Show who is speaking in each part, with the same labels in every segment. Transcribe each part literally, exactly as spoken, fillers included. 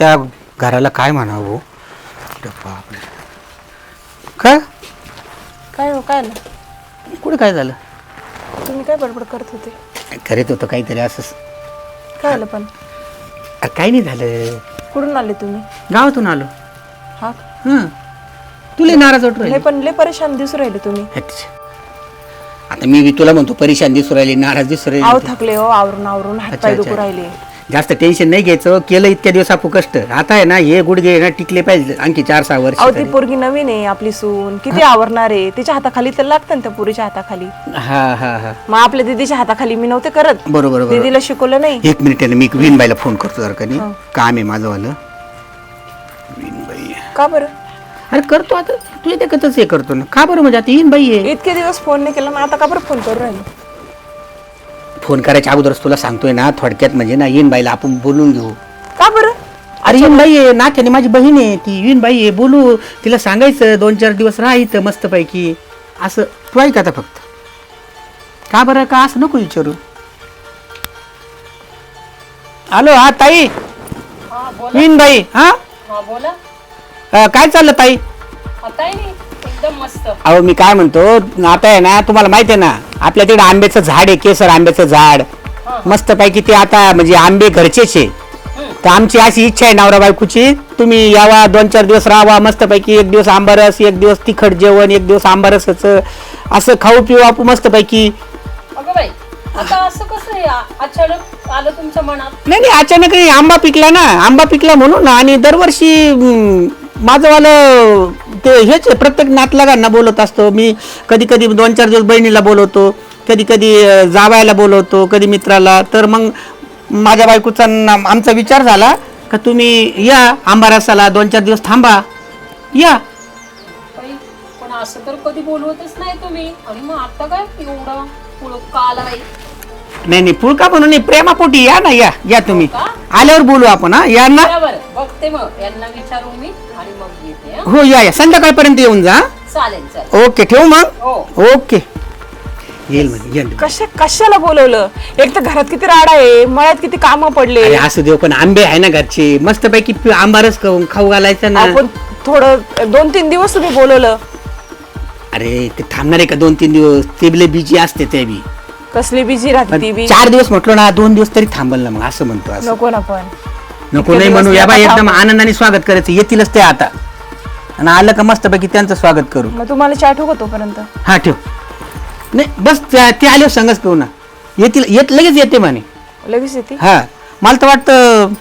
Speaker 1: त्या घराला काय म्हणावं? बापरे, काय
Speaker 2: काय हो काय ना
Speaker 1: कुठे काय झालं?
Speaker 2: तुम्ही काय बडबड करत होते?
Speaker 1: करीत होतं काहीतरी असं.
Speaker 2: काय आलं पण?
Speaker 1: काही नाही झालं,
Speaker 2: कुठून आले तुम्ही?
Speaker 1: गावातून आलो.
Speaker 2: हा
Speaker 1: हं, तुला नाराज वाटू
Speaker 2: लय
Speaker 1: राहिली?
Speaker 2: पण लय परेशान दिसू राहिले तुम्ही.
Speaker 1: अच्छा. आता मी बी तुला म्हणतो परेशान दिसू राहिली, नाराज दिसू
Speaker 2: आव
Speaker 1: राहिली.
Speaker 2: थकले हो, आवरून आवरून हात
Speaker 1: अच्छा,
Speaker 2: पाय
Speaker 1: अच्छा.
Speaker 2: दुखू राहिले.
Speaker 1: जास्त टेन्शन नाही घ्यायचं. केलं इतक्या दिवस आपण कष्ट, आता आहे ना हे गुडघे ना टिकले पाहिजे आणखी चार सहा वर्ष
Speaker 2: अहो ती पोरगी नवीन आहे आपली सून, किती आवरणार आहे. तिच्या हाताखाली तर लागतं ना त्या पुरीच्या हाताखाली.
Speaker 1: हा हा हा
Speaker 2: मग आपल्या दीदीच्या हाताखाली मी नव्हते करत,
Speaker 1: बरोबर बरोबर.
Speaker 2: दीदीला शिकवलं नाही.
Speaker 1: एक मिनिट आहे ना, मी विनबाईला फोन करतो जर का नाही
Speaker 2: हा.
Speaker 1: काम आहे माझं वालं. विनबाई,
Speaker 2: का बरं?
Speaker 1: अरे करतो आता, तुझ्या देखतच हे करतो ना. का बरं म्हणजे आता येईन बाई आहे.
Speaker 2: इतके दिवस फोन नाही केला, मग आता का बरं फोन करू राहिले?
Speaker 1: फोन करायच्या अगोदरच तुला सांगतोय ना, थोडक्यात म्हणजे ना येईन बाईला आपण बोलून घेऊ.
Speaker 2: का बरं?
Speaker 1: अरे येईन बाई आहे नात्याने, माझी बहीण आहे ती. येईन बाई आहे, बोलू तिला, सांगायचं दोन चार दिवस राहायचं मस्तपैकी असं. तू ऐक आता फक्त. का बरं का असं नको विचारू. हॅलो, हा ताई, येईन बाई. हा
Speaker 3: हा बोला.
Speaker 1: अं, काय चाललं ताई?
Speaker 3: काही नाही, एकदम मस्त.
Speaker 1: अहो मी काय म्हणतो, आता आहे ना तुम्हाला माहिती आहे ना आपल्या तिकडे आंब्याचं झाड आहे, केसर आंब्याचं झाड मस्तपैकी. ते आता म्हणजे आंबे घरचेच आहे. तर आमची अशी इच्छा आहे नवरा बायकोची, तुम्ही यावा दोन चार दिवस राहावा मस्तपैकी. एक दिवस आंबारस, एक दिवस तिखट जेवण, एक दिवस आंबारसाचं असं खाऊ पिऊ आपण मस्तपैकी.
Speaker 3: अगं बाई, आता असं कसं आहे, आ- अचानक आलं तुमच्या मनात?
Speaker 1: नाही नाही, अचानक नाही, आंबा पिकला ना, आंबा पिकला म्हणून ना. आणि दरवर्षी हम्म, माझंवालं ते हेच आहे, प्रत्येक नातलगांना बोलत असतो मी. कधी कधी दोन चार दिवस बहिणीला बोलवतो, कधी कधी जावायला बोलवतो, कधी मित्राला. तर मग माझ्या बायकोचा न- आमचा विचार झाला का तुम्ही या आंबारसाला दोन चार दिवस थांबा या.
Speaker 3: बाई, पण असं तर कधी बोलवतच नाही तुम्ही, आणि मग आता काय एवढं पुढं का आला बाई?
Speaker 1: नाही नाही, फुलका म्हणून नाही, प्रेमापोटी या ना. या या तुम्ही,
Speaker 3: हो का?
Speaker 1: आल्यावर बोलू आपण. हा या ना.
Speaker 3: बरोबर, बघते मग यांना विचारून मी आणि मग येते. हं?
Speaker 1: हो या या, संध्याकाळपर्यंत येऊन जा.
Speaker 3: चालेल चालेल.
Speaker 1: ओके, ठेवू मग.
Speaker 3: हो.
Speaker 1: ओके, येईल म्हणजे येईल.
Speaker 2: कशा कशाला बोलवलं? एक तर घरात किती राडा आहे, मळ्यात किती कामं पडले.
Speaker 1: अरे असू देव, पण आंबे आहे ना घरचे मस्तपैकी, पि- आंबारस खाऊ खाऊ घालायचा ना.
Speaker 2: आपण थोडं दोन तीन दिवस तुम्ही बोलवलं.
Speaker 1: अरे ते थांबणार आहे का दोन तीन दिवस? ते बी लय बिजी असते ते बी.
Speaker 2: कसली बिझी राहते
Speaker 1: पण
Speaker 2: ती बी.
Speaker 1: चार दिवस म्हटलो ना, दोन दिवस तरी थांबल ना. मग असं म्हणतो. असं
Speaker 2: नको ना पण.
Speaker 1: नको
Speaker 2: इतके
Speaker 1: नाही
Speaker 2: दिवस
Speaker 1: म्हणू या
Speaker 2: नका
Speaker 1: बाई, एकदम
Speaker 2: थांबू.
Speaker 1: आनंदाने स्वागत करायचं. येतीलच ते आता, आणि आलं का मस्तपैकी त्यांचं स्वागत करू.
Speaker 2: मग तुम्हाला चहा ठेवू का तोपर्यंत?
Speaker 1: हा ठेव. नाही बस, त्या- ते आले संगच पिऊ ना. येतील, येत लगेच येते म्हणे.
Speaker 2: लगेच येते?
Speaker 1: हा, मला तर वाटतं.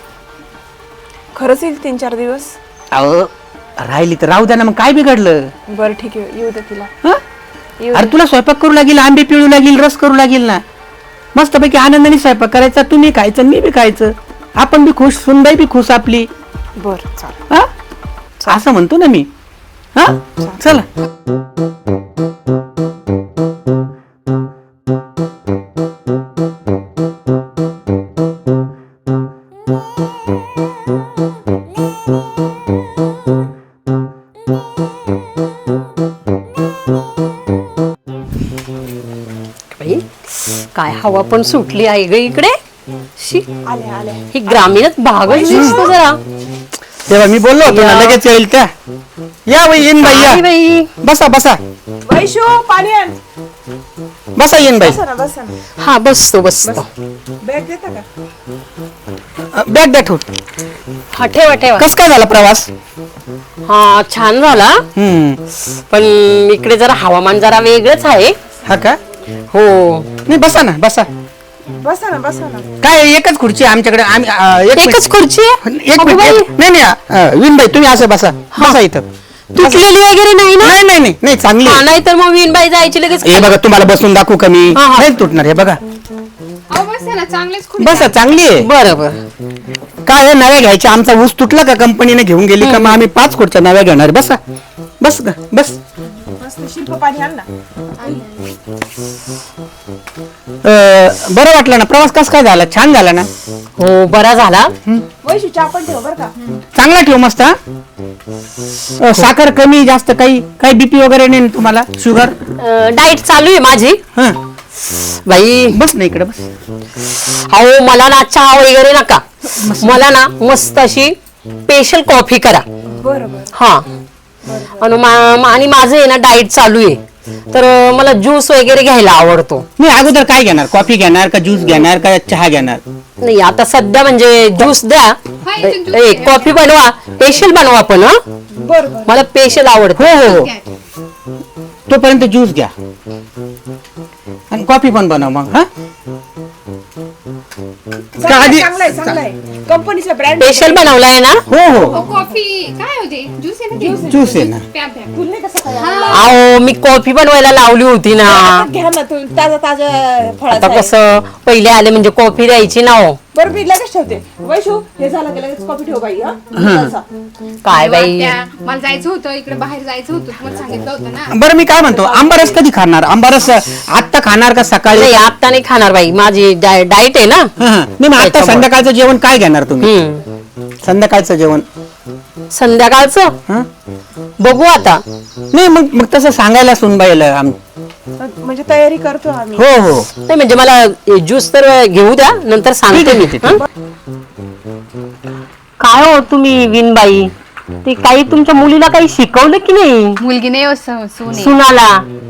Speaker 2: खरंच येईल तीन चार दिवस?
Speaker 1: अहो राहिली तर राहू द्या ना, मग काय बिघडलं?
Speaker 2: बरं ठीक आहे, येऊ दे तिला.
Speaker 1: हं?
Speaker 2: येऊ
Speaker 1: अरे
Speaker 2: दे.
Speaker 1: तुला स्वयंपाक करू लागेल, आंबे पिळू लागेल, रस करू लागेल ना. मस्तपैकी आनंदाने स्वयंपाक करायचा, तुम्ही खायचं मी बी खायचं, आपण बी खुश, सुनबाई बी खुश आपली.
Speaker 2: बरं चालेल.
Speaker 1: हा, असं म्हणतो ना मी. हा, चला.
Speaker 4: बाई, काय हवा पण सुटली आहे ग इकडे. शी,
Speaker 2: आले आले.
Speaker 4: ही ग्रामीणच भागच दिसतो जरा.
Speaker 1: तेव्हा मी बोललो होतो ना,
Speaker 4: या.
Speaker 1: लगेच येईल त्या. या बाई, येईन बाई,
Speaker 4: आई
Speaker 1: या.
Speaker 4: बाई,
Speaker 1: बसा बसा
Speaker 2: वैशू पाणी आण.
Speaker 1: बसा, येईन बाई.
Speaker 2: बसा ना बसा ना.
Speaker 4: हा बसतो बसतो.
Speaker 2: बॅग देता का?
Speaker 1: बॅग द्या ठेवून.
Speaker 4: हा ठेवा ठेवा.
Speaker 1: कस काय झाला प्रवास?
Speaker 4: हा छान झाला,
Speaker 1: हम्म,
Speaker 4: पण इकडे जरा हवामान जरा वेगळंच आहे.
Speaker 1: हा का?
Speaker 4: हो,
Speaker 1: नाही बसा ना, बसा.
Speaker 2: बसा ना बसा ना.
Speaker 1: काय एकच खुर्ची आहे आमच्याकडे. आम्ही अं, एक
Speaker 4: एकच
Speaker 1: मिनिट.
Speaker 4: खुर्ची आहे?
Speaker 1: एक
Speaker 4: अगं
Speaker 1: मिनिट,
Speaker 4: बाई,
Speaker 1: एक- नाही नाही, अं, विनबाई तुम्ही असं बसा. बसा इथं.
Speaker 4: तुटलेली वगैरे नाही ना?
Speaker 1: नाही नाही नाही नाही, चांगली
Speaker 4: हा,
Speaker 1: आहे.
Speaker 4: नाही तर मग विनबाई जायची लगेच.
Speaker 1: हे बघा, तुम्हाला बसून दाखवू का मी?
Speaker 4: हा, हा.
Speaker 1: नाही तुटणार. हे बघा, बसा, चांगली आहे.
Speaker 4: बरं बरं.
Speaker 1: काय आहे, नव्या घ्यायच्या. आमचा ऊस तुटला का कंपनीने घेऊन गेली का, मग आम्ही पाच खुर्च्या नव्या घेणार. बसा, बस ग, बस.
Speaker 2: मस्त शिल्प पाणी आण ना.
Speaker 1: अं, बरं वाटलं ना प्रवास? कस काय झाला? छान झाला ना?
Speaker 4: हो, बरा झाला.
Speaker 2: वैशू चहा पण ठेव बरं का.
Speaker 1: चांगला ठेव मस्त. हा? अं, साखर कमी जास्त, काही काही बीपी वगैरे नाही ना तुम्हाला? शुगर?
Speaker 4: डाएट चालू आहे माझी.
Speaker 1: हा,
Speaker 4: बाई,
Speaker 1: बस ना इकडे, बस.
Speaker 4: अहो मला ना चहा वगैरे नका. मला ना मस्त अशी स्पेशल कॉफी करा.
Speaker 2: बरं बरं.
Speaker 4: हा आणि मा- आणि माझं आहे ना डाएट चालू आहे, तर अं, मला ज्यूस वगैरे घ्यायला आवडतो.
Speaker 1: मी अगोदर काय घेणार, कॉफी घेणार का ज्यूस घेणार का चहा घेणार?
Speaker 4: नाही आता सध्या म्हणजे ज्यूस द्या, ए कॉफी बनवा, स्पेशल बनवा पण हा,
Speaker 2: बरं बरं.
Speaker 4: मला स्पेशल आवडतं.
Speaker 1: हो हो हो, तोपर्यंत ज्यूस घ्या आणि कॉफी पण बनव मग. हा का आधी
Speaker 2: चांगलाय चांगलाय, कंपनीचा ब्रँड.
Speaker 4: स्पेशल बनवलाय ना.
Speaker 1: हो हो
Speaker 3: कॉफी काय होते, ज्यूस आहे ना ते?
Speaker 1: ज्यूस आहे ना.
Speaker 3: प्या प्या.
Speaker 2: तुला नाही कसं काय?
Speaker 4: अहो मी कॉफी बनवायला लावली होती ना.
Speaker 2: घ्या ना तुम्ही, ताजा ताजा
Speaker 4: आता
Speaker 2: फळाचा आहे.
Speaker 4: कसं पहिले आले म्हणजे कॉफी द्यायची ना हो.
Speaker 2: बरं मी लगेच ठेवते. वैशू हे झालं की लगेच कॉफी ठेव बाई. हा तसा.
Speaker 4: काय बाई,
Speaker 3: त्या- मला जायचं होतं, इकडे बाहेर जायचं होतं, तुम्हाला सांगितलं होतं ना.
Speaker 1: बरं मी काय म्हणतो, आंबारस कधी खाणार? आंबारस आत्ता खाणार का सकाळी?
Speaker 4: नाही आता नाही खाणार बाई, माझी डाएट आहे ना.
Speaker 1: हा, हा. नाही मग आता
Speaker 4: त्याच्यामुळे.
Speaker 1: संध्याकाळचं जेवण काय घेणार तुम्ही?
Speaker 4: हम्म.
Speaker 1: संध्याकाळचं जेवण
Speaker 4: संध्याकाळचं
Speaker 1: हा?
Speaker 4: बघू आता.
Speaker 1: नाही मग मग तसं सांगायला सुनबाईला आम-
Speaker 2: म्हणजे तयारी करतो आम्ही.
Speaker 1: हो हो
Speaker 4: नाही म्हणजे मला ज्यूस तर घेऊ द्या, नंतर सांगते मी.
Speaker 1: ठीक आहे, ठीक
Speaker 4: हं? काय हो तुम्ही विनबाई, ते काही तुमच्या मुलीला काही शिकवलं की नाही?
Speaker 3: मुलगी नाही हो, स- सून आहे.
Speaker 4: सुनाला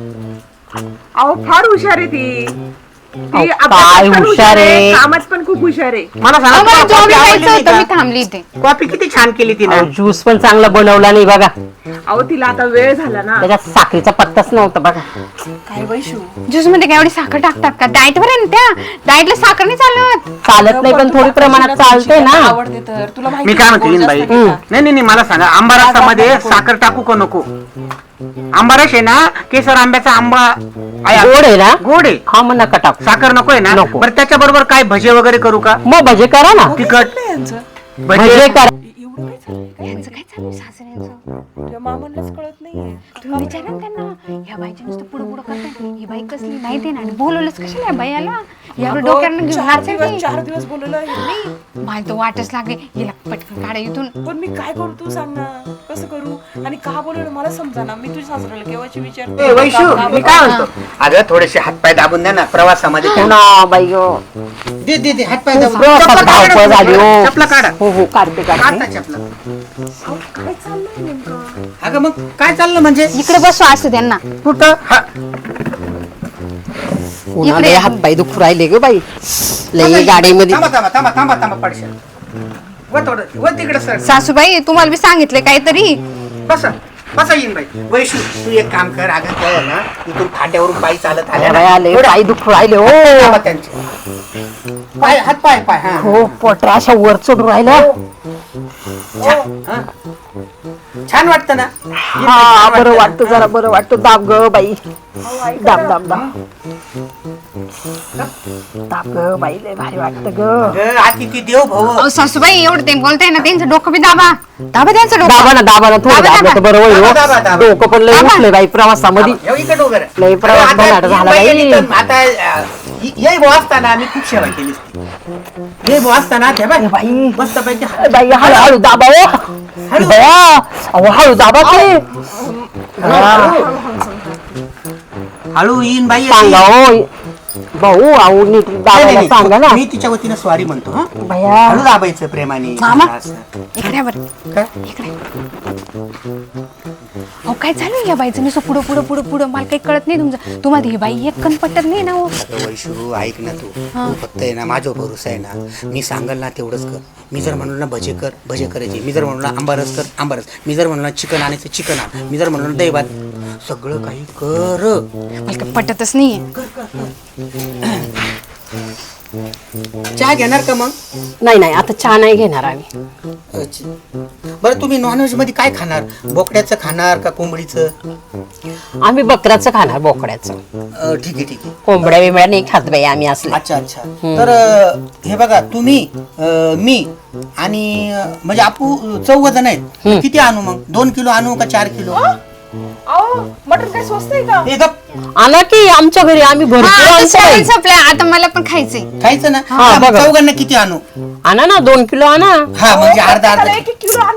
Speaker 2: अहो फार हुशार आहे ती. ती
Speaker 4: अहो,
Speaker 2: अभ्यासात
Speaker 4: काय
Speaker 2: पण
Speaker 4: हुशार आहे.
Speaker 2: कामात पण खूप हुशार आहे.
Speaker 1: मला
Speaker 3: अहो,
Speaker 1: सांगा,
Speaker 3: मला
Speaker 1: तुला
Speaker 3: जॉब
Speaker 1: कॉफी आवडली
Speaker 3: जायचं
Speaker 1: नाही
Speaker 3: होतं, मी
Speaker 1: का?
Speaker 3: थांबली इथे.
Speaker 1: कॉफी किती छान केली तिने.
Speaker 4: ज्यूस पण चांगला बनवला नाही बघा,
Speaker 2: अहो तिला आता वेळ झाला ना.
Speaker 4: त्याच्यात साखरेचा पत्ताच नव्हता बघा.
Speaker 2: काय वैशू,
Speaker 3: ज्यूस मध्ये काय एवढी साखर टाकतात का? डाएट वर आहे ना त्या, डाएटला साखर नाही चालत.
Speaker 4: चालत नाही पण थोडी प्रमाणात चालते ना.
Speaker 2: आवडते तर तुला
Speaker 1: मी
Speaker 2: माहिती
Speaker 1: काय
Speaker 2: आहे,
Speaker 1: म्हणते
Speaker 2: गोड
Speaker 1: विनबाई,
Speaker 2: जास्त नाही का?
Speaker 1: नाही नाही नाही, मला सांगा आंबारसामध्ये साखर टाकू का नको? आंबारस आहे ना, केसर आंब्याचा आंबा आहे.
Speaker 4: गोड आहे ना.
Speaker 1: गोड आहे,
Speaker 4: हा मग नका टाकू.
Speaker 1: साखर नको आहे ना.
Speaker 4: नको.
Speaker 1: बरं त्याच्या बरोबर काय भजे वगैरे करू का?
Speaker 4: मग भजे करा ना.
Speaker 1: तिखट
Speaker 2: चाललंय यांचं.
Speaker 4: भजे
Speaker 1: भजे
Speaker 4: करा.
Speaker 2: एवढं काय चाललंय?
Speaker 3: यांचं काय चालू आहे सासऱ्यांचं?
Speaker 2: तुझ्या मामांनाच कळत नाहीये.
Speaker 3: तुम्ही विचारा ना त्यांना, या बाईच्या नुसतं पुढं पुढं करतात. ही बाई कसली माहिती आहे ना, आणि बोलवलंच कशाला या बाईला? यावर डोक्यानं घेऊन
Speaker 2: चार
Speaker 3: नाचते
Speaker 2: दिवस
Speaker 3: ती.
Speaker 2: चार दिवस बोलवलं यांनी.
Speaker 3: मला तर वाटच लागले, हिला पटकन काढा इथून.
Speaker 2: पण मी काय करू तू सांग ना, कसं करू आणि का बोलवलं मला समजा ना. मी तुझ्या सासऱ्याला केव्हाची विचारते.
Speaker 1: ए, वैशू मी काय म्हणतो, अगं थोडेसे हातपाय दाबून द्या ना प्रवासामध्ये.
Speaker 4: हो ना बाई हो.
Speaker 1: दे दे दे हातपाय दाबून.
Speaker 4: प्रवासात
Speaker 1: चपला काढा,
Speaker 4: धावपळ झाली हो.
Speaker 1: चपला काढा.
Speaker 4: हो हो काढते काढते.
Speaker 1: काढता चपला.
Speaker 2: अहो, काय चाललंय नेमकं?
Speaker 1: अगं मग काय चाललं म्हणजे?
Speaker 3: इकडे बसू असं त्यांना.
Speaker 1: कुठं? हा.
Speaker 4: उन्हाळे हात पाय दुखू राहिले ग बाई, लई गाडीमध्ये.
Speaker 1: थांबा थांबा थांबा थांबा थांबा पडशाल. व थोडं व तिकडे सर.
Speaker 3: सासूबाई तुम्हाला मी सांगितले काहीतरी.
Speaker 1: बसा बसा येईन बाई. वैशू तू एक काम कर, अगं काय आहे ना, इथून फाट्यावरून पायी चालत आल्या
Speaker 4: बाई
Speaker 1: ना,
Speaker 4: आले
Speaker 1: थोडं
Speaker 4: पाय दुखू राहिले हो.
Speaker 1: थांबा त्यांचे. पाय हात पाय पाय हा.
Speaker 4: हो पोटरा अशा वर चढून राहिलं.
Speaker 1: हा. छान वाटतं ना?
Speaker 4: हा बरं वाटतं, जरा बरं वाटतं. दाब ग बाई, दाब दाब दाब दाब ग बाई, लय भारी वाटतं ग.
Speaker 1: अगं, अतिथी देव भव.
Speaker 3: अहो सासूबाई एवढं ते बोलताय ना, त्यांचं डोकं बी दाबा. दाबा त्यांचं डोकं.
Speaker 4: दाबा ना दाबा ना, थोडं
Speaker 3: दाबा,
Speaker 4: दाबलं तर बरं होईल
Speaker 1: दाबा, दाबा,
Speaker 4: हो.
Speaker 1: दाबा.
Speaker 4: डोकं पण लय
Speaker 3: दाबा.
Speaker 4: उठले बाई प्रवासामध्ये.
Speaker 1: ठेव इकडे उभं राहा.
Speaker 4: लय प्रवास
Speaker 1: आता
Speaker 4: बनाट
Speaker 1: ही
Speaker 4: झाला
Speaker 1: बाई
Speaker 4: बाई.
Speaker 1: आली तर आता अं, हि- येई भाऊ असताना मी खूप सेवा केली. ये भाऊ असताना त्या बाई
Speaker 4: बाई
Speaker 1: मस्त पैकी
Speaker 4: बाई हळू हळू दाबा हो. बया, अहो हळू दाबा ते.
Speaker 1: हळू येईन बाई.
Speaker 4: सांगा हो भाऊ, अहो नीट
Speaker 1: नाही,
Speaker 4: दाबायला
Speaker 1: नाही,
Speaker 4: सांगा ना.
Speaker 1: मी तिच्या वतीनं स्वारी म्हणतो. हा
Speaker 4: भया
Speaker 1: हळू दाबायचं प्रेमाने.
Speaker 3: मामा.
Speaker 1: असं.
Speaker 3: इकडे बरं.
Speaker 1: काय?
Speaker 3: इकडे. अहो काय चालू या बाईचं नुसतं पुढं पुढं पुढं पुढं, मला काही कळत नाही तुमचं. तुम्हाला ही बाई एक कण पटत नाही ना हो.
Speaker 1: अगं वैशू ऐक ना, तू तू फक्त आहे ना माझ्या भरोसा आहे ना. मी सांगल ना तेवढंच कर. मी जर म्हणलो ना भजे कर भजे करायचे, मी जर म्हणलो ना आंबारस कर आंबारस, मी जर म्हणलो ना चिकन आणायचं चिकन आण, मी जर म्हणलो ना दही भात, सगळं काही कर.
Speaker 3: मला काही पटतच नाहीये.
Speaker 1: चहा घेणार का मग?
Speaker 4: नाही नाही आता चहा नाही घेणार आम्ही.
Speaker 1: अच्छा. बरं तुम्ही नॉनव्हेज मध्ये काय खाणार? बोकड्याचं खाणार का कोंबडीचं?
Speaker 4: आम्ही बकराचं खाणार, बोकड्याचं.
Speaker 1: अं, ठीक आहे ठीक आहे.
Speaker 4: कोंबड्या बिंबड्या नाही खात बाई आम्ही असले.
Speaker 1: अच्छा अच्छा. तर अं, हे बघा तुम्ही अं, मी आणि अं, म्हणजे आपू चौघ जण आहेत. किती आणू मग? दोन किलो आणू का चार किलो?
Speaker 2: अहो मटण काय स्वस्त आहे का?
Speaker 1: हे गप
Speaker 4: आणा की आमच्या घरी, आम्ही
Speaker 3: हा,
Speaker 4: भरपूर
Speaker 3: आता
Speaker 4: आणतो बाई.
Speaker 3: जेवण संपलंय, आता मला पण खायचंय.
Speaker 1: खायचं ना?
Speaker 4: हा,
Speaker 1: मग
Speaker 4: बघा.
Speaker 1: चौघांना किती आणू?
Speaker 4: आणा ना दोन किलो आणा.
Speaker 1: हा म्हणजे अर्धा
Speaker 2: त्याला
Speaker 1: अर्धा.
Speaker 2: एक एक किलो आणता का?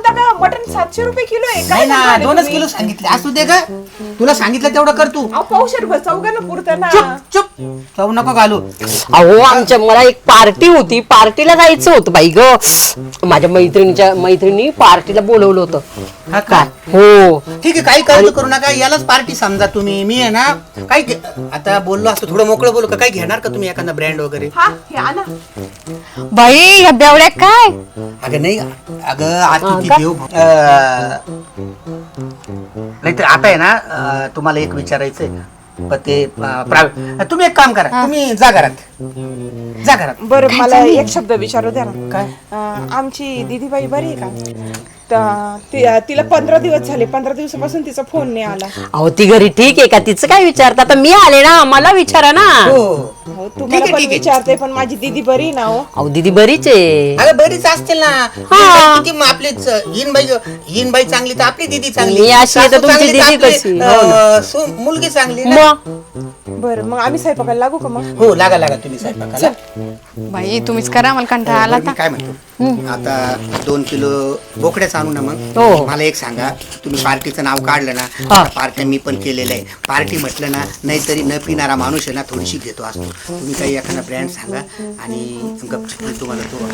Speaker 2: मटन सातशे रुपये किलो आहे.
Speaker 1: नाही
Speaker 2: काय
Speaker 1: ना
Speaker 2: सांगाले
Speaker 1: दोनच
Speaker 2: तुम्ही?
Speaker 1: किलो सांगितले असू दे का तुला सांगितलं तेवढं कर तू.
Speaker 2: अहो पावशेर भर चौघांना पुरतं ना.
Speaker 1: चुप चुप चव नको घालू.
Speaker 4: अहो आमच्या मला एक पार्टी होती, पार्टीला जायचं होतं बाई ग. माझ्या मैत्रिणीच्या मैत्रिणी पार्टीला बोलवलं होतं.
Speaker 1: हा का
Speaker 4: हो
Speaker 1: ठीक आहे काही काळजी करू नका यालाच पार्टी समजा तुम्ही. मी आहे ना काही घे- आता बोललो असतो थोडं मोकळं बोलू का काही घेणार का तुम्ही एखादा ब्रँड वगैरे.
Speaker 2: हा हे आणा.
Speaker 5: बाई ह्या बेवड्या काय
Speaker 1: अगं नाही अगं आज किती देव अं, नाही तर आता आहे ना अं, तुम्हाला एक विचारायचंय पण ते अं, प्राय- तुम्ही एक काम करा तुम्ही जा घरात जा घरात.
Speaker 2: बरं मला एक शब्द विचारू द्या ना.
Speaker 1: काय
Speaker 2: अं, आमची दीदीबाई बरी आहे का? त- ति- तिला पंधरा दिवस झाले, पंधरा दिवसापासून तिचा फोन नाही आला.
Speaker 4: अहो ती घरी ठीक आहे का? तिचं काय विचारता? आता मी आले ना, मला विचारा ना.
Speaker 1: हो
Speaker 2: हो तुम्हाला पण विचारते पण माझी दीदी बरी आहे ना हो.
Speaker 4: अहो दीदी बरीच आहे.
Speaker 1: अगं बरीच असतील ना.
Speaker 4: हा.
Speaker 1: किती मग आपलीच हिनबाई हिनबाई चांगली तर आपली दीदी चांगली.
Speaker 4: मी अशी आहे तर
Speaker 1: सासू
Speaker 4: तुमची
Speaker 1: चांगली तर
Speaker 4: दीदी
Speaker 1: आपली,
Speaker 4: कशी?
Speaker 1: अं, सु- मुलगी चांगली ना.
Speaker 4: मग
Speaker 2: बरं मग आम्ही स्वयंपाकाला लागू का मग?
Speaker 1: हो लागा लागा तुम्ही स्वयंपाकाला.
Speaker 5: बाई तुम्हीच करा, मला कंटाळा आला
Speaker 1: बरं, मी काय म्हणतो आता दोन किलो बोकड्याच आणू ना मग.
Speaker 4: हो.
Speaker 1: मला एक सांगा तुम्ही पार्टीचं नाव काढलं ना
Speaker 4: हा.
Speaker 1: पार्टी मी पण केलेलं आहे. पार्टी म्हटलं ना नाहीतरी न पिणारा माणूस आहे ना थोडीशी घेतो असतो. तुम्ही काही एखादा ब्रँड सांगा आणि गपचूप मी तुम्हाला तो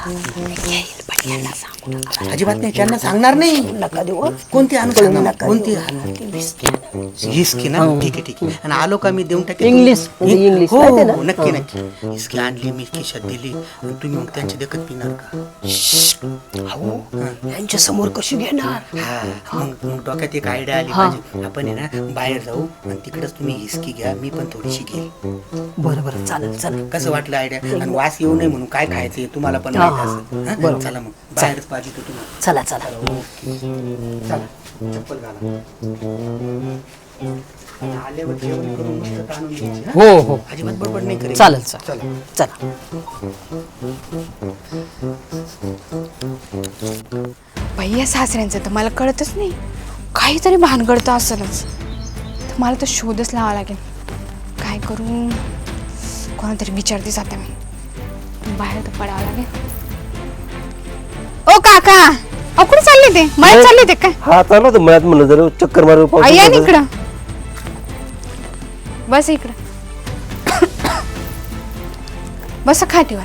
Speaker 1: अजिबात नाही त्यांना सांगणार नाही. नका देऊ कोणती आणू सांगा कोणती हिस्की ना ठीक आहे ठीक आहे आणि आलो का मी देऊन टाकेन.
Speaker 4: इंग्लिश, म्हणजे इंग्लिश
Speaker 1: हो
Speaker 4: माहिती आहे ना?
Speaker 1: हो, नक्की नक्की हिस्की आणली मी खिशात दिली आणि तुम्ही मग त्यांची देखत पिणार का?
Speaker 4: यांच्या समोर कशी घेणार?
Speaker 1: हा, मग मग डोक्यात एक आयडिया आली माझी. आपण आहे ना बाहेर जाऊ आणि तिकडेच तुम्ही हिस्की घ्या मी पण थोडीशी घेईल.
Speaker 4: बरं बरं चालेल चालेल.
Speaker 1: कसं वाटलं आयडिया? आणि वास येऊ नये म्हणून काय खायचं तुम्हाला पण माहिती असेल. हा? चला मग बाहेरच पाहिजे तर तुम्हाला.
Speaker 4: चला चला.
Speaker 1: चला चप्पल घाला. आल्यावर जेवण करून मस्त ताणून घ्यायची, हा?
Speaker 4: हो हो
Speaker 1: अजिबात बडबड नाही करायची.
Speaker 4: चालेल चालेल
Speaker 1: चला
Speaker 4: चला.
Speaker 5: बाई या सासऱ्यांचं तर मला कळतच नाही, काहीतरी भानगडतं असलच. तर मला तर शोधच लावा लागेल. काय करू? कोणातरी विचारते जाते मी. बाहेर तर पडावं लागेल. ओ काका, अहो कुठे चालले ते? मला चालले ते काय?
Speaker 6: हा चालू होतं मळ्यात म्हणलं जरा चक्कर मारू पाऊस
Speaker 5: आई या
Speaker 6: होता.
Speaker 5: इकडं, बस इकडं, बस खाटीवर.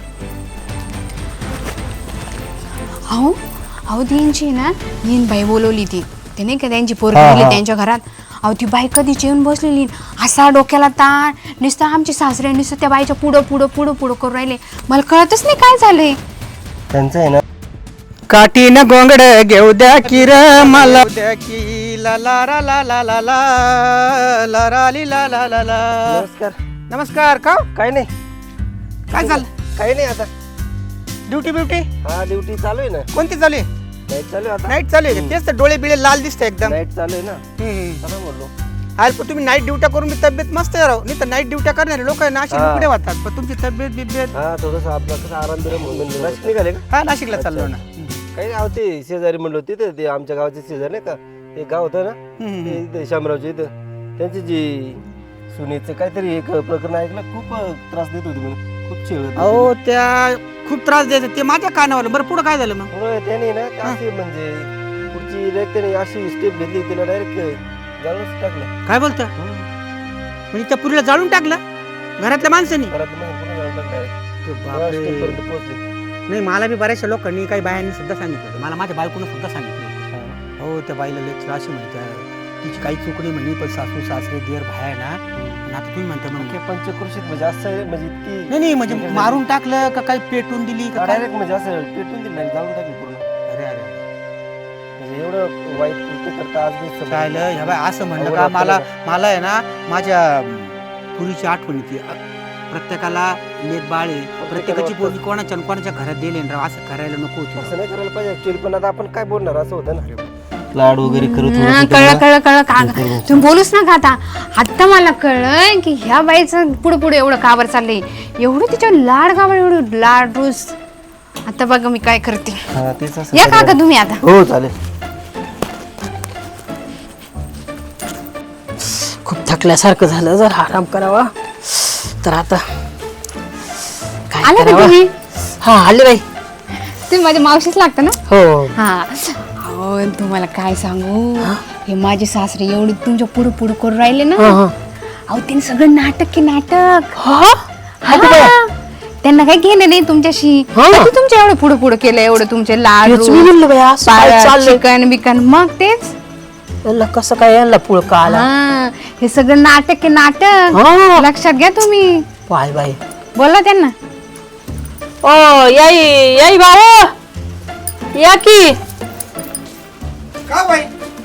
Speaker 5: अहो अहो त्यांची ना येईन बाई बोलवली ती ते नाही का त्यांची पोरगी
Speaker 6: हा,
Speaker 5: गेली
Speaker 6: हा.
Speaker 5: त्यांच्या घरात. अहो ती बाई कधीची येऊन बसलेली, असा डोक्याला ताण, नुसतं आमची सासरे नुसतं त्या बाईच्या पुढं पुढं पुढं पुढं करून राहिले. मला कळतच नाही काय झालंय.
Speaker 6: त्यांचं आहे ना
Speaker 1: काठीन गोंगड घेऊ द्या की र मला द्या की ला ला ला ला ला ला ला ला ला ली ला ला ला ला.
Speaker 6: नमस्कार.
Speaker 1: नमस्कार का
Speaker 6: काय नाही
Speaker 1: काय झालं?
Speaker 6: काही नाही आता.
Speaker 1: ड्युटी ब्युटी
Speaker 6: हा ड्युटी चालू आहे ना.
Speaker 1: कोणती चालू आहे?
Speaker 6: नाईट चालू आहे आता.
Speaker 1: नाईट चालू आहे. तेच तर डोळे बिळे लाल दिसते एकदम.
Speaker 6: नाईट चालू आहे ना.
Speaker 1: हम्म.
Speaker 6: चला बोललो.
Speaker 1: आज पण तुम्ही नाईट ड्युट्या करून मी तब्येत मस्त राहू नाही तर नाईट ड्युट्या करणारे लोक नाशिक
Speaker 6: हा.
Speaker 1: पुढे वाहतात पण तुमची तब्येत बिब्येत.
Speaker 6: हा थोडंसं आपला कसं आराम बिराम म्हणजे नाशिक निघाले का?
Speaker 1: हा नाशिकला चाललो ना.
Speaker 6: काही नाही होते शेजारी म्हणलं होते ते- ते आमच्या गावाचे शेजारी नाही का ते गाव होतं ना
Speaker 1: हम्म.
Speaker 6: ते इथे शामरावच्या इथं त्यांची जी सुनेचं काहीतरी एक प्रकरण ऐकलं खूप त्रास देत होती म्हणे खूप छेळ
Speaker 1: अहो त्या खूप त्रास द्यायचा ते माझ्या कानावर. बरं पुढं काय झालं मग?
Speaker 6: त्याने ना ते अशी म्हणजे पुढची direct त्याने अशी स्टेप घेतली तिला डायरेक्ट जाळूनच टाकलं.
Speaker 1: काय बोलतं म्हणजे त्या पुरीला जाळून टाकलं घरातल्या माणसांनी?
Speaker 6: घरात मग पुन्हा जाळून टाकलं direct.
Speaker 1: ते
Speaker 6: त्या
Speaker 1: बापरे.
Speaker 6: step पर्यंत पोहोचली.
Speaker 1: नाही मला बी बऱ्याचशा लोकांनी काही बायांनी सुद्धा सांगितलं होतं. मला माझ्या बायकोनं सुद्धा सांगितलं होतं. हो त्या बाईला लेक्चर अशी म्हणतात तिची काही चुकणी म्हणे पण सासू सासरे देर भाया ना आणि आता तुम्ही म्हणता मग
Speaker 6: ते पंचक्रोशीत म्हणजे असं आहे, म्हणजे ती
Speaker 1: नाही नाही म्हणजे मारून टाकलं का काही पेटून दिली का काय?
Speaker 6: डायरेक्ट म्हणजे असं पेटून दिली नाही जाळून टाकली पूर्ण.
Speaker 1: अरे अरे
Speaker 6: म्हणजे एवढं वाईट कृत्य करता आज मी समजलं.
Speaker 1: चालेल ह्या बाई असं म्हणलं
Speaker 6: अवघड
Speaker 1: का
Speaker 6: वाटतं
Speaker 1: मला
Speaker 6: मला.
Speaker 1: मला आहे ना माझ्या पुरीची आठवण येते. प्रत्येकाला लेट बाळ आहे प्रत्येकाची पोरगी कोणाच्या न कोणाच्या घरात दिले ना राव असं करायला नको होतं.
Speaker 6: असं नाही करायला पाहिजे ऍक्च्युअली पण आता आपण काय बोलणार असं होतं ना. लाड वगैरे करत
Speaker 5: हा, कळलं कळलं कळलं का तुम्ही बोलूच नका आता. आता मला कळलं की ह्या बाईचं पुढे पुढे एवढं काबर चाललंय, एवढं तिच्यावर लाड काबर, एवढं लाड रोज. आता बघा मी काय करते.
Speaker 6: हा तेच असं
Speaker 5: या
Speaker 6: करायला.
Speaker 5: काका तुम्ही आता.
Speaker 6: हो चालेल.
Speaker 4: खूप थकल्यासारखं झालं, जर आराम करावा तर आता काय
Speaker 5: आले का
Speaker 4: करावं?
Speaker 5: तुम्ही?
Speaker 4: हा आले बाई.
Speaker 5: तुम्ही माझ्या मावशीच लागता ना?
Speaker 4: हो
Speaker 5: हा. अहो, अहो तुम्हाला काय सांगू हे माझे सासरे एवढे तुमच्या पुढे पुढे करून राहिले ना
Speaker 4: हा, हा.
Speaker 5: अहो त्यांनी सगळं नाटक की नाटक
Speaker 4: हा?
Speaker 5: हा. त्यांना काही घेणं नाही तुमच्याशी
Speaker 4: हा.
Speaker 5: कधी तुमच्या एवढं पुढे पुढे केलं एवढं तुमचे
Speaker 4: तेच मी म्हणलं बाई, असं काय चाललंय?
Speaker 5: चिकन बिकन मग तेच
Speaker 4: याला कसं काय याला पुळका आला
Speaker 5: हा हे सगळं नाटक की नाटक
Speaker 4: हा.
Speaker 5: लक्षात घ्या तुम्ही
Speaker 4: बाय बाय
Speaker 5: बोला त्यांना
Speaker 4: ओ याई याई भाऊ या की
Speaker 1: का बाई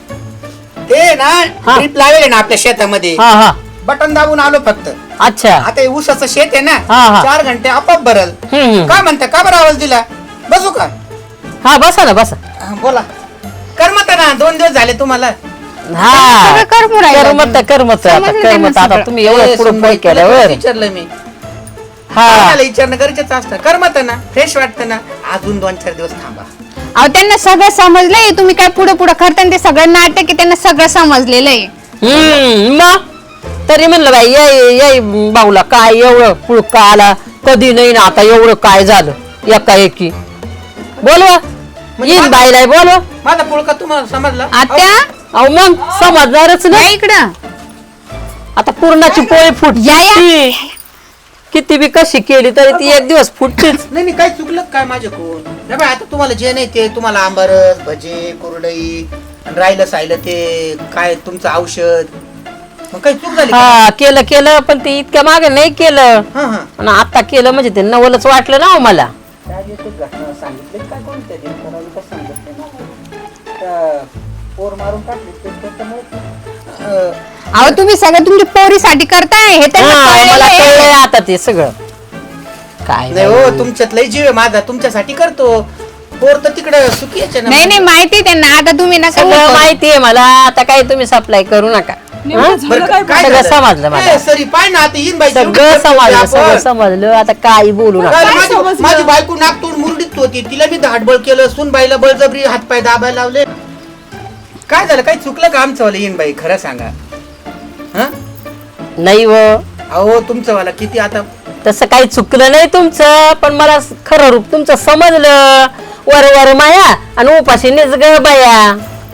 Speaker 1: ते ना
Speaker 4: हा.
Speaker 1: ड्रीप लावेल ना आपल्या शेतामध्ये
Speaker 4: हा हा
Speaker 1: बटन दाबून आलो फक्त
Speaker 4: अच्छा
Speaker 1: आता हे ऊसाचं शेत आहे ना
Speaker 4: हा, हा.
Speaker 1: चार घंटे आपोआप भरल
Speaker 4: हम्म, हम्म.
Speaker 1: काय म्हणता का बरं आवाज दिला बसू का
Speaker 4: हा बसा ना बसा
Speaker 1: हा, बोला करमत ना दोन दिवस झाले तुम्हाला
Speaker 4: हा
Speaker 5: सगळं करमू राहिलं.
Speaker 4: करमत करमत आता
Speaker 5: समजलं त्यांना
Speaker 4: करमत आता
Speaker 5: सगळं.
Speaker 4: तुम्ही एवढं
Speaker 1: ए,
Speaker 4: पुढे
Speaker 1: सुनबाई,
Speaker 4: पुढे
Speaker 1: तुला
Speaker 4: केल्यावर
Speaker 1: कोणी विचारलं मी
Speaker 4: हा
Speaker 1: मला विचारणं गरजेचं असतं करमत ना फ्रेश वाटतं ना अजून दोन चार दिवस थांबा
Speaker 5: अहो त्यांना सगळं समजलंय तुम्ही काय पुढे पुढे करता ते सगळं नाटक आहे त्यांना सगळं समजलेलं आहे
Speaker 4: हम्म मग तरी म्हणलं बाई याई याई भाऊला काय एवढं पुळका आला कधी नाही ना आता एवढं काय झालं एका एकी बोलवा येईन बाईला बोलवा
Speaker 1: माझा पुळका तुम्हाला समजला
Speaker 5: आत्या
Speaker 4: अहो मग समजणारच
Speaker 5: या
Speaker 4: नाही
Speaker 5: इकडं
Speaker 4: आता पूर्णाची पोळी फुट
Speaker 5: या, या.
Speaker 4: किती बी कशी केली तरी ती एक दिवस फुटतेच
Speaker 1: नाही नाही काय चुकलं काय माझ्याकडून नाही बाई आता तुम्हाला जे नाही ते तुम्हाला आंबारस भजे कुरडई आणि राहिलं साहिलं ते काय तुमचं औषध मग काही चूक झाली का?
Speaker 4: हा केलं केलं पण ते इतक्या मागे नाही केलं
Speaker 1: हा हा
Speaker 4: आणि आता केलं म्हणजे ते नवलच वाटलं ना हो मला
Speaker 1: काय जे ते घटना सांगितले काय कोणत्या दिन करावी का सांगितलं ना त्या पोर मारून टाकली ते त्याच्यामुळे अं,
Speaker 5: अहो तुम्ही सगळं तुमच्या पोरीसाठी करताय हे त्यांना
Speaker 4: हा,
Speaker 5: कळलेलं
Speaker 4: मला
Speaker 5: आहे.
Speaker 4: कळलंय आता ते सगळं काय
Speaker 1: नाही हो तुमच्यात लय जीव आहे माझा तुमच्यासाठी करतो पोर तर तिकडे सुखी यायचे ना
Speaker 5: नाही नाही माहिती आहे त्यांना आता तुम्ही नका
Speaker 4: सगळं
Speaker 5: करू.
Speaker 4: माहितीये मला आता काही तुम्ही सप्लाय करू नका
Speaker 2: नेमकं झालं
Speaker 1: बरं,
Speaker 2: काय
Speaker 1: काय
Speaker 4: सगळं
Speaker 1: झालं?
Speaker 4: समजलं मला.
Speaker 1: ए, सरी पाय ना आता येईन बाई
Speaker 4: सगळं
Speaker 1: तेवढी
Speaker 4: समजलं
Speaker 1: आपण.
Speaker 4: सगळं समजलं आता काही बोलू नका
Speaker 1: काय
Speaker 2: काय
Speaker 1: माझी
Speaker 2: समजलं?
Speaker 1: माझी बायको नागतोड मुरडीत होती तिला मी धाटबळ केलं सून बाईला बळजबरी हातपाय दाबायला लावले काय झालं काही चुकलं का आमचं वाला येईन बाई खरं सांगा हा
Speaker 4: नाही व
Speaker 1: अहो तुमचं वाला किती आता
Speaker 4: तसं काही चुकलं नाही तुमचं पण मला खरं रूप तुमचं समजलं वर वर माया आणि उपाशी निज ग बाया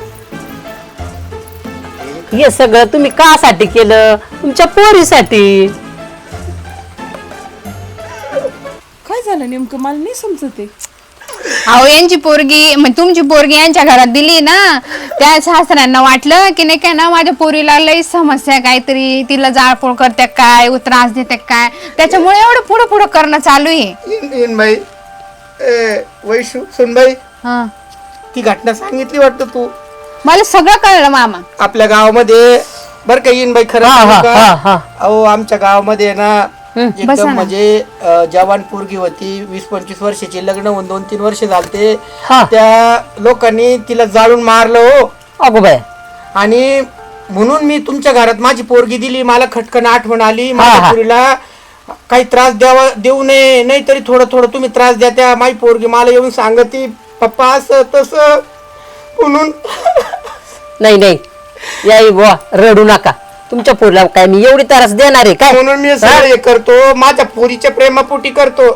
Speaker 4: हे सगळं तुम्ही कासाठी केलं तुमच्या पोरीसाठी
Speaker 2: काय झालं नेमकं मला नाही समजत आहे.
Speaker 5: अहो यांची पोरगी म्हणजे तुमची पोरगी यांच्या घरात दिली ना त्या सासऱ्यांना वाटलं की नाही काय ना माझ्या पोरीला लई समस्या आहे काहीतरी तिला जाळपोळ करते काय त्रास देते काय त्याच्यामुळे एवढं पुढं पुढं करणं चालू आहे
Speaker 1: येईन येईन बाई ए, वैशू सुनबाई
Speaker 5: हा
Speaker 1: ती घटना सांगितली वाटतं तू
Speaker 5: मला सगळं कळलं मामा
Speaker 1: आपल्या गावामध्ये बर का येईन बाई खरं
Speaker 4: हा,
Speaker 1: सांगू
Speaker 4: हा,
Speaker 1: का?
Speaker 4: हा, हा.
Speaker 1: अहो आमच्या गावामध्ये ना
Speaker 5: बसा
Speaker 1: एकदम
Speaker 5: ना.
Speaker 1: म्हणजे अं, जवान पोरगी होती वीस पंचवीस वर्षाची लग्न होऊन दोन तीन वर्ष झालते
Speaker 4: हा.
Speaker 1: त्या लोकांनी तिला जाळून मारलं हो
Speaker 4: अगो बाय
Speaker 1: आणि म्हणून मी तुमच्या घरात माझी पोरगी दिली मला खटकन आठवण आली
Speaker 4: हा,
Speaker 1: माझ्या
Speaker 4: हा.
Speaker 1: पोरीला काही त्रास द्यावा देऊ नये नाही तरी थोडं थोडं तुम्ही त्रास द्या त्या माझी पोरगी मला येऊन सांगती पप्पा असं तसं म्हणून
Speaker 4: नाही नाही याई बुवा रडू नका तुमच्या पोरीला काय मी एवढी त्रास देणार आहे काय
Speaker 1: म्हणून मी सगळं हे करतो माझ्या पोरीच्या प्रेमापोटी करतो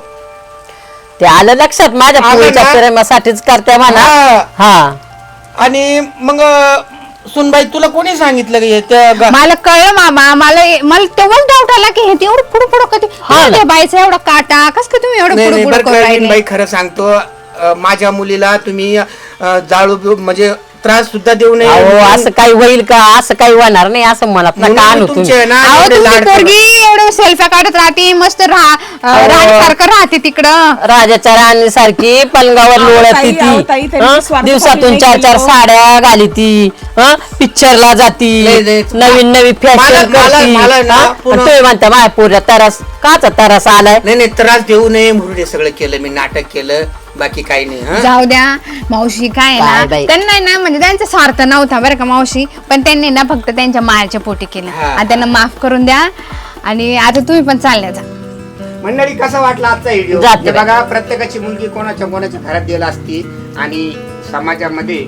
Speaker 4: ते आलं लक्षात माझ्या
Speaker 1: आलं
Speaker 4: पोरीच्या
Speaker 1: ना?
Speaker 4: प्रेमासाठीच करते म्हणा
Speaker 1: हा.
Speaker 4: हा
Speaker 1: आणि मग सुनबाई तुला कोणी सांगितलं का हे त्या गा-
Speaker 5: मला कळलं मामा मला मला तेव्हाच डाऊट आला की हे ते एवढं पुढं पुढं कधी
Speaker 4: हा ना.
Speaker 5: त्या बाईचा एवढा काटा कस का तुम्ही एवढं
Speaker 1: नाही
Speaker 5: पुढं
Speaker 1: नाही
Speaker 5: पुढं
Speaker 1: बरं
Speaker 5: करू
Speaker 1: का,
Speaker 5: राहिले
Speaker 1: बाई खरं सांगतो अं, माझ्या मुलीला तुम्ही अं, जाळू बिळू म्हणजे त्रास सुद्धा देऊ नये
Speaker 4: अहो
Speaker 1: म्हणून-
Speaker 4: असं काही होईल का असं काही होणार नाही असं म्हणत
Speaker 1: म्हणून
Speaker 4: नका
Speaker 1: मी
Speaker 4: आणू
Speaker 1: तुमचे
Speaker 4: तुम्ही
Speaker 1: ना
Speaker 5: अहो
Speaker 1: एवढे
Speaker 5: तुमची
Speaker 1: लाड करतो.
Speaker 5: पोरगी एवढं सेल्फ्या काढत राहते मस्त राहा
Speaker 4: अहो.
Speaker 5: राणीसारखं राहते तिकडं
Speaker 4: राजाच्या राणी सारखी पलंगावर
Speaker 2: अहो,
Speaker 4: लोळत
Speaker 2: ताई, अहो, ताई,
Speaker 4: ती
Speaker 2: त्यांनी
Speaker 4: हं?
Speaker 2: स्वार्थासाठी
Speaker 4: दिवसातून
Speaker 2: नाही
Speaker 4: चार चार
Speaker 2: केलं.
Speaker 4: साड्या घाली ती पिक्चरला जाती
Speaker 1: नाही, नाही.
Speaker 4: नवीन नवीन
Speaker 1: मला-
Speaker 4: फॅशन
Speaker 1: मला-
Speaker 4: करती
Speaker 1: मला ना
Speaker 4: हं?
Speaker 1: पुन्हा-
Speaker 4: आणि तुम्ही म्हणता माझ्या पोऱ्या तरस काचा तरस आलाय
Speaker 1: नाही नाही त्रास देऊ नये म्हणून हे सगळं केलं मी नाटक केलं बाकी काही नाही हं?
Speaker 5: जाऊ द्या मावशी काय
Speaker 4: काय
Speaker 5: ना
Speaker 4: बाई?
Speaker 5: त्यांना ना म्हणजे त्यांचा स्वार्थ नव्हता बरं का मावशी पण त्यांनी ना फक्त त्यांच्या मायाच्या पोटी केलं
Speaker 1: हा.
Speaker 5: आता त्यांना माफ करून द्या आणि आता तुम्ही पण चालल्या जा
Speaker 1: मंडळी कसा वाटला आजचा व्हिडिओ
Speaker 4: जाते
Speaker 1: हे
Speaker 4: बाई.
Speaker 1: बघा प्रत्येकाची मुलगी कोणाच्या कोणाच्या घरात गेला असती आणि समाजामध्ये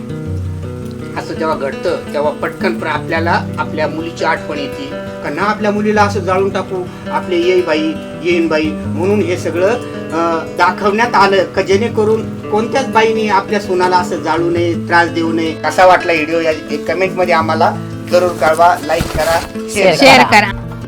Speaker 1: असं जेव्हा घडतं तेव्हा पटकन पण आपल्याला आपल्या मुलीची आठवण येते का ना आपल्या मुलीला असं जाळून टाकू आपले येई बाई येईन बाई म्हणून हे सगळं अं, दाखवण्यात आलं का जेणेकरून कोणत्याच बाईने आपल्या सुनाला असं जाळू नये, त्रास देऊ नये. कसा वाटला व्हिडिओ या कमेंट मध्ये आम्हाला जरूर कळवा. लाईक करा, शेअर करा.
Speaker 5: शेअर करा.